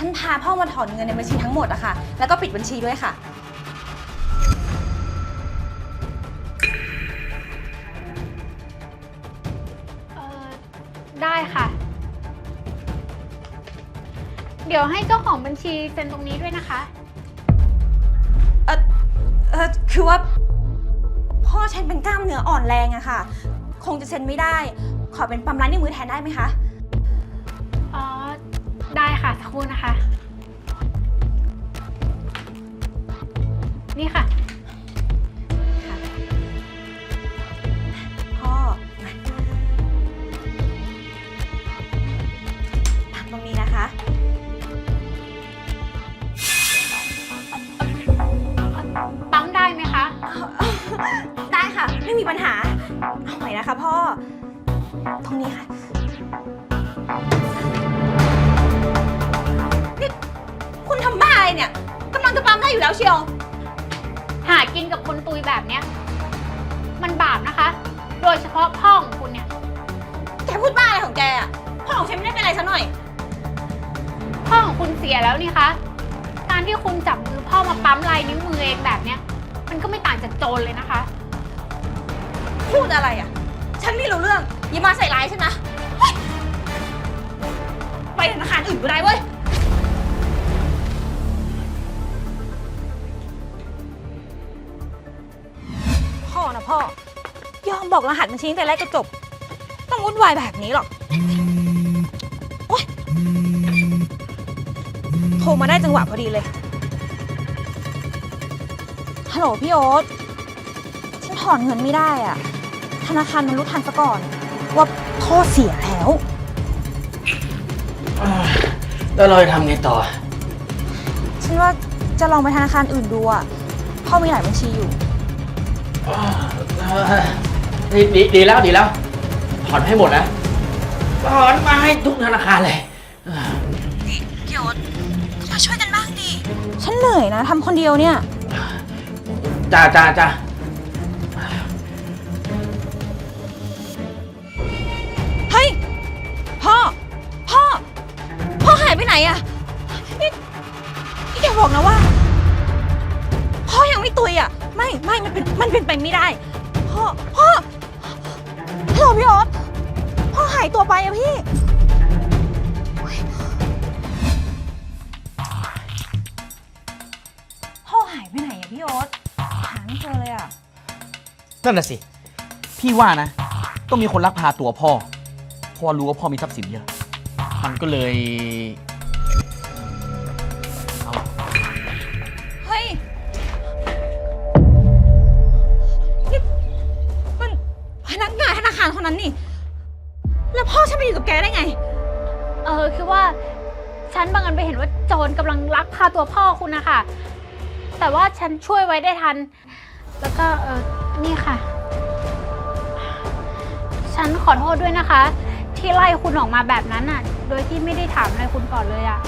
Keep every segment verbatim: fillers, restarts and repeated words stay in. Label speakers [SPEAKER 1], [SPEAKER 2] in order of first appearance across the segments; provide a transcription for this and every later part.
[SPEAKER 1] ฉันพาพ่อมาถอนเงินในบัญชีทั้งหมดอะค่ะ แล้วก็ปิดบัญชีด้วยค่ะ
[SPEAKER 2] เออได้ค่ะ เดี๋ยวให้เจ้าของบัญชีเซ็นตรงนี้ด้วยนะคะ
[SPEAKER 1] เออเออคือว่าพ่อฉันเป็นกล้ามเนื้ออ่อนแรงอะค่ะ คงจะเซ็นไม่ได้ ขอเป็นปั๊มร้านนิ้วมือแทนได้ไหมคะ
[SPEAKER 2] อ๋อ ได้ค่ะสักครู่นะคะ นี่ค่ะ
[SPEAKER 1] ค่ะ พ่อมาปั๊มตรงนี้นะคะ
[SPEAKER 2] ปั๊มได้ไหมคะ
[SPEAKER 1] ได้ค่ะ ไม่มีปัญหา เอาใหม่นะคะพ่อ ตรงนี้ค่ะนี่คุณทำบ้าอะไรเนี่ยกำลังจะปั๊มได้อยู่แล้วเชียว
[SPEAKER 2] หากินกับคนตุยแบบเนี้ย มันบาปนะคะ โดยเฉพาะพ่อของคุณเนี่ย
[SPEAKER 1] แกพูดบ้าอะไรของแกอะพ่อของฉันไม่ได้เป็นอะไรซะหน่อย
[SPEAKER 2] พ่อของคุณเสียแล้วนี่คะ การที่คุณจับมือพ่อมาปั๊มลายนิ้วมือเองแบบเนี้ย มันก็ไม่ต่างจากโจรเลยนะคะ
[SPEAKER 1] พูดอะไรอ่ะ ฉันไม่รู้เรื่อง อย่ามาใส่ร้ายฉันนะเฮ้ยไปธนาคารอื่นก็ได้เว้ย พ่อนะพ่อ ยอมบอกรหัสบัญชีตั้งแต่แรกก็จบ ต้องวุ่นวายแบบนี้หรอกโอ๊ยโทรมาได้จังหวะพอดีเลย ฮัลโหลพี่โอ๊ต ฉันถอนเงินไม่ได้อ่ะ ธนาคารมันรู้ทันซะก่อน ว่าพ่อเสียแล้ว
[SPEAKER 3] แล้วเราจะทำไงต่อ
[SPEAKER 1] ฉันว่าจะลองไปธนาคารอื่นดูอ่ะ พ่อมีหลายบัญชีอยู่
[SPEAKER 3] ดีดีดีแล้วดีแล้ว ถอนให้หมดนะ ถอนมาให้ทุกธนาคารเลย
[SPEAKER 1] นี่พี่โอ๊ตมาช่วยกันบ้างดิ ฉันเหนื่อยนะทำคนเดียวเนี่ย
[SPEAKER 3] จ้าจ้าจ้า
[SPEAKER 1] เฮ้ย พ่อ พ่อ พ่อหายไปไหนอะนี่นี่แกบอกนะว่า พ่อยังไม่ตุยอะไม่ไม่มันเป็นมันเป็นไปไม่ได้ พ่อ พ่อฮัลโหลพี่โอ๊ตพ่อหายตัวไปอะพี่โอ๊ยพ่อหายไปไหนอะพี่โอ๊ตหาไม่เจอเลยอะ
[SPEAKER 4] นั่นน่ะสิ พี่ว่านะ ต้องมีคนลักพาตัวพ่อ เพราะว่ารู้ว่าพ่อมีทรัพย์สินเยอะ มันก็เลยเอา
[SPEAKER 1] เฮ้ยนี่มันพนักงานธนาคารคนนั้นนี่ แล้วพ่อฉันไปอยู่กับแกได้ไง
[SPEAKER 2] เออคือว่าฉันบังเอิญไปเห็นว่าโจรกำลังลักพาตัวพ่อคุณนะคะ แต่ว่าฉันช่วยไว้ได้ทัน แล้วก็เออนี่ค่ะ ฉันขอโทษด้วยนะคะ ที่ไล่คุณออกมาแบบนั้นอ่ะ โดยที่ไม่ได้ถามอะไรคุณก่อนเลยอ่ะ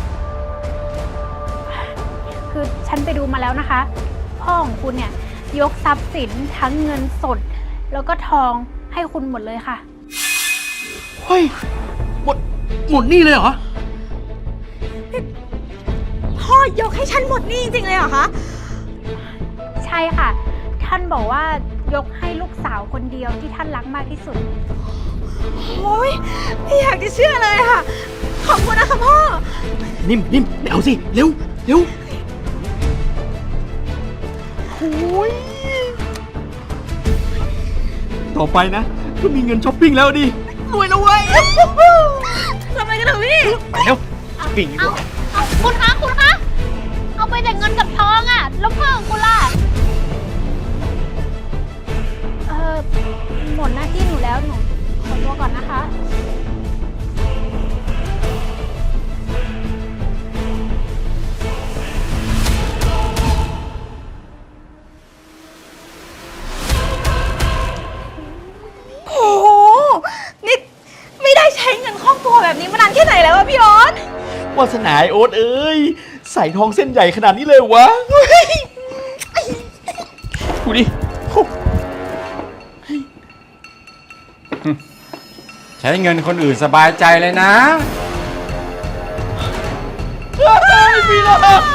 [SPEAKER 2] คือฉันไปดูมาแล้วนะคะ พ่อของคุณเนี่ยยกทรัพย์สินทั้งเงินสด แล้วก็ทองให้คุณหมดเลยค่ะ
[SPEAKER 4] เฮ้ย หมด หมดนี่เลยเหรอ
[SPEAKER 1] พ่อยกให้ฉันหมดหนี่จริงๆเลยเหรอคะ
[SPEAKER 2] ใช่ค่ะ ท่านบอกว่ายกให้ลูกสาวคนเดียวที่ท่านรักมากที่สุด
[SPEAKER 1] โอ้ยไม่อยากจะเชื่อเลยค่ะ ขอบคุณนะคะพ่อ
[SPEAKER 4] นิ่มนิ่มไม่เอาสิ เร็ว เร็วโอ้ยต่อไปนะ ก็มีเงินช้อปปิ้งแล้วดิ รวยแล้วเว้ย
[SPEAKER 1] ทำไมกันเถอะพี่
[SPEAKER 4] ไปเร็วช้อปปิ้งดีกว่า
[SPEAKER 2] เอาคุณคะ คุณคะ เอาไปแต่เงินกับทองอะแล้วพ่อของคุณล่ะ เออหมดหน้าที่หนูแล้วหนูขอตัวก่อนนะคะ
[SPEAKER 1] โอ้โห นี่ไม่ได้ใช้เงินครอบครัวแบบนี้มานานแค่ไหนแล้วอะพี่โอ๊ต
[SPEAKER 4] วาสนาไอ้โอ๊ตเอ้ย ใส่ทองเส้นใหญ่ขนาดนี้เลยวะเฮ้ยดูดิโอ้
[SPEAKER 5] ใช้เงินคนอื่นสบายใจเลยนะ
[SPEAKER 4] เฮ้
[SPEAKER 3] มีหรอก